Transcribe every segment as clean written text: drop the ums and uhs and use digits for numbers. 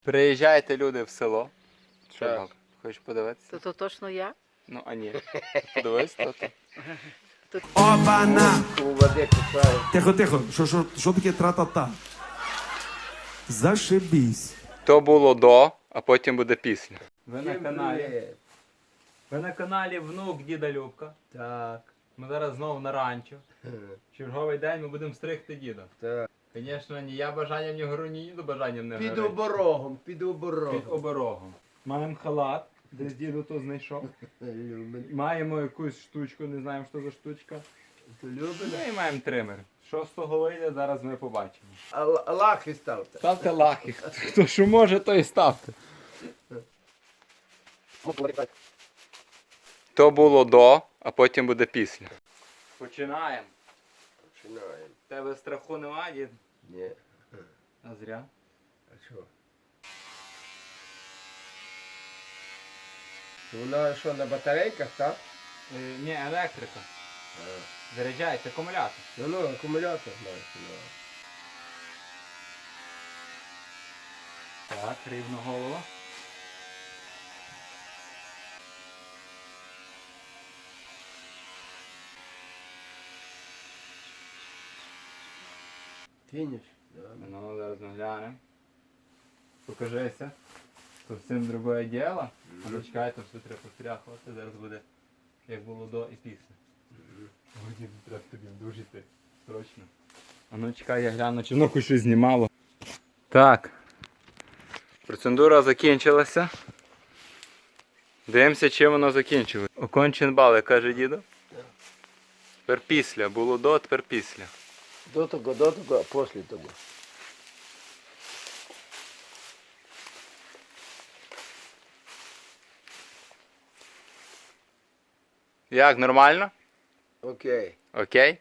Приїжджайте люди в село. Що, Так. баб, хочеш подивитися? То точно я? Ну, а ні. Подивись, то ти. Опана! У води купаю. Тихо, тихо. Що таке тра-та-та? Зашибісь. То було до, а потім буде після. Ви Всім привіт. Ви на каналі Внук Діда Любка. Так. Ми зараз знову на ранчо. Черговий день ми будемо стригти діда. Так. Звісно, ні я бажанням не гору, ні діду бажанням не Під горить. оборогом, під Під оборогом. оберогом. Маємо халат, десь діду то знайшов. Маємо якусь штучку, не знаємо, що за штучка. То любиш? Ну і маємо тример. Що з того вийде, зараз ми побачимо. А лахи ставте. Ставте лахи. Хто що може, то і ставте. То було до, а потім буде після. Починаємо. Починаємо. Тебе страху немає, дід? Ні. А зря. А що? Вона що, на батарейках, так? Ні, електрика. Заряджається акумулятор. Ну, акумулятор маєш. Так, рівно голова. Фініш? Ну, зараз ми глянемо. Покажися. Зовсім друге діло. А ну чекайте, все треба постряхувати. Зараз буде, як було до і після. Ой, треба тобі вдужити. Срочно. А ну чекай, я гляну, чи воно хоч щось знімало. Так. Процедура закінчилася. Дивимося, чим воно закінчилося. Окончен бали, каже дідо. Тепер після. Було до, тепер після. До того, а після того. Як, нормально? Окей. Окей?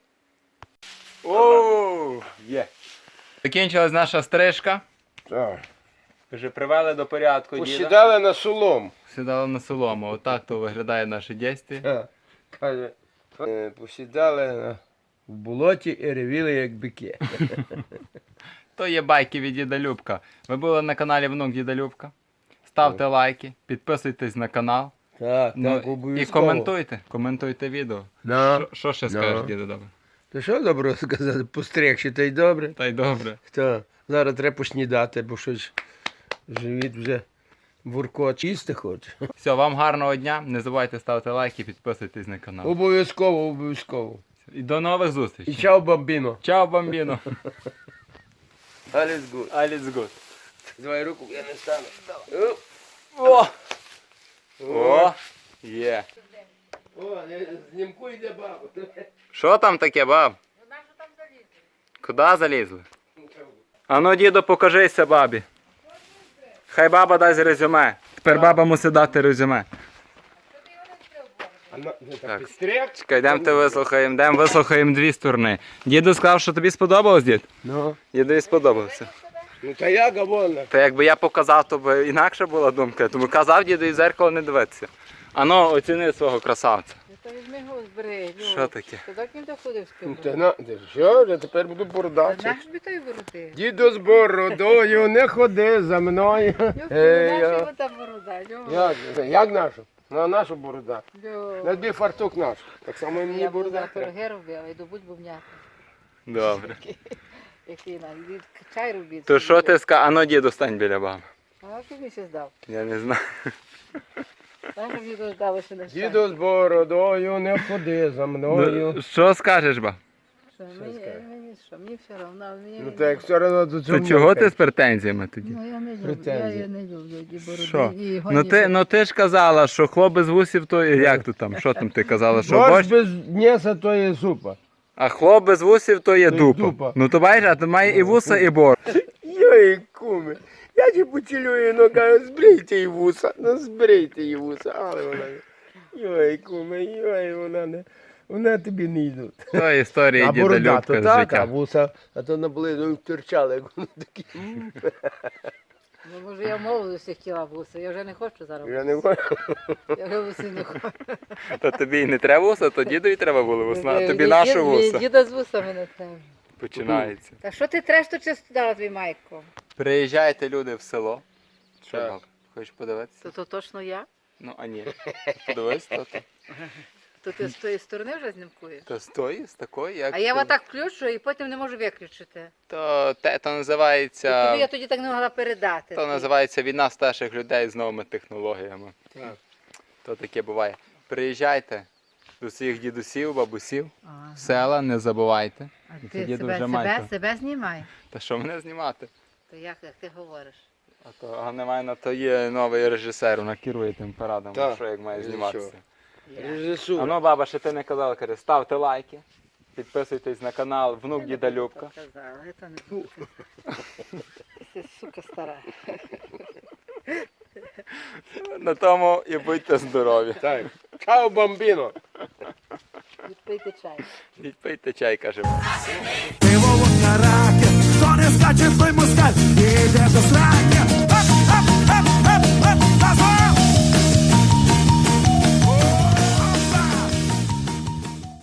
Оу! Є. Закінчилась наша стрижка. Так. Вже привели до порядку діда. Посідали на солому. Сідали на солому. Отак то виглядає наше дійство. Каже, посідали в болоті і ревіли як бики. То є байки від Діда Любка. Ви були на каналі Внук Діда Любка. Ставте лайки, підписуйтесь на канал. Так, Ну, так, і обов'язково. коментуйте відео. Да. Що ще скажеш, діду, добре? Та що добре сказати, постригши, та й добре. Та й добре. Так, зараз треба поснідати, бо щось живіт вже буркот чисти хоче. Все, вам гарного дня. Не забувайте ставити лайки, підписуйтесь на канал. Обов'язково, обов'язково. І до нових І зустрічей. чао, бамбіно. Чао, бамбіно. Alles gut. Alles good. Давай руку, я не стану. Давай. О! О! Є. О, знімку йде баба. Що там таке, баб? Вона що там залізла? Куди залізли? Ану, діду, покажися бабі. Хай баба дасть резюме. Тепер баба мусить дати резюме. Так. Підстриг? Чекай, йдемо вислухаємо дві сторони. Діду сказав, що тобі сподобалось, дід? Ну. Дідові сподобалося. Ну та як вона? Та якби я показав, то б інакша була думка. Тому казав діду і в зеркало не дивитися. Ану, оціни свого красавця. Та візьми його збери. Що таке? Ти так не доходив з Ну, ким? та на, ти що, я тепер буду Та бородавчик. наш би той вороти. Діду з бородою, не ходи за мною. Наша та борода. Як нашу? На нашу борода. Йо. На дві фартук наш. Так само і мені Я борода. буду пироги робила, йду будь бувняти. Добре. Який нам, йди чай робити. То що ти скажеш? Ану, діду, стань біля баби. А ти мені ще здав. Я не знаю. Знаєш, щоб діду здали ще на чай. Діду з бородою, не ходи за мною. Ну, що скажеш, ба? Що, мені що, мені все одно. Мені... Ну так все одно до цього. То чого ти з претензіями тоді? Ну, я не люблю, Претензії. я не люблю ті бороди. Що? І Ну ти ж казала, що хлоп без вусів, то як то там? Що там ти казала? Що Борщ борщ? без м'яса то є супа. А хлоп без вусів, то є То є дупа. дупа. Ну то бачиш, а то має і вуса, і борщ. Йой, куми. Я тебе поцілюю, ну кажу, збрийте її вуса. Ну збрийте її вуса. Але вона. Йой, куми, йой, вона не. Вона тобі не йдуть. То історія А Діда борода, то Любка з так, а життя. вуса, а то наблизу терчали, як вони такі. Ну, може, я в молодості хотіла вуса, я вже не хочу зараз. Я не бачу. Я вже вуси не хочу. То тобі і не треба вуса, то дідові треба було вуса, а тобі нашу вуса. Діда з вусами не треба. Починається. Та що ти треш, то чисто дала твій майку? Приїжджайте люди в село. Що, Так. Галка, хочеш подивитися? То точно я? Ну, а ні. Подивись, то. То ти з тої сторони вже знімкуєш? Та стої, з такої, як. А я ти. отак включу і потім не можу виключити. То Тобі я називається. тоді так не могла передати. То називається війна старших людей з новими технологіями. Так. То таке буває. Приїжджайте до своїх дідусів, бабусів, Ага. в села, не забувайте. А І ти тоді дуже майко. себе знімай. Та що мене знімати? То як ти говориш? А то Ганна то є новий режисер, вона керує тим парадом, Так. що як має І зніматися. Я. А Режисура. ну, баба, ще ти не казала, каже, ставте лайки, підписуйтесь на канал Внук Я Діда не буду Любка. так казала, це не буде. Ти сука стара. На тому і будьте здорові. Так. Чао, бомбіно. Відпийте чай. Ідіть пийте чай, каже. Пиво в раки, хто не скаче, той москаль, іде до сраки.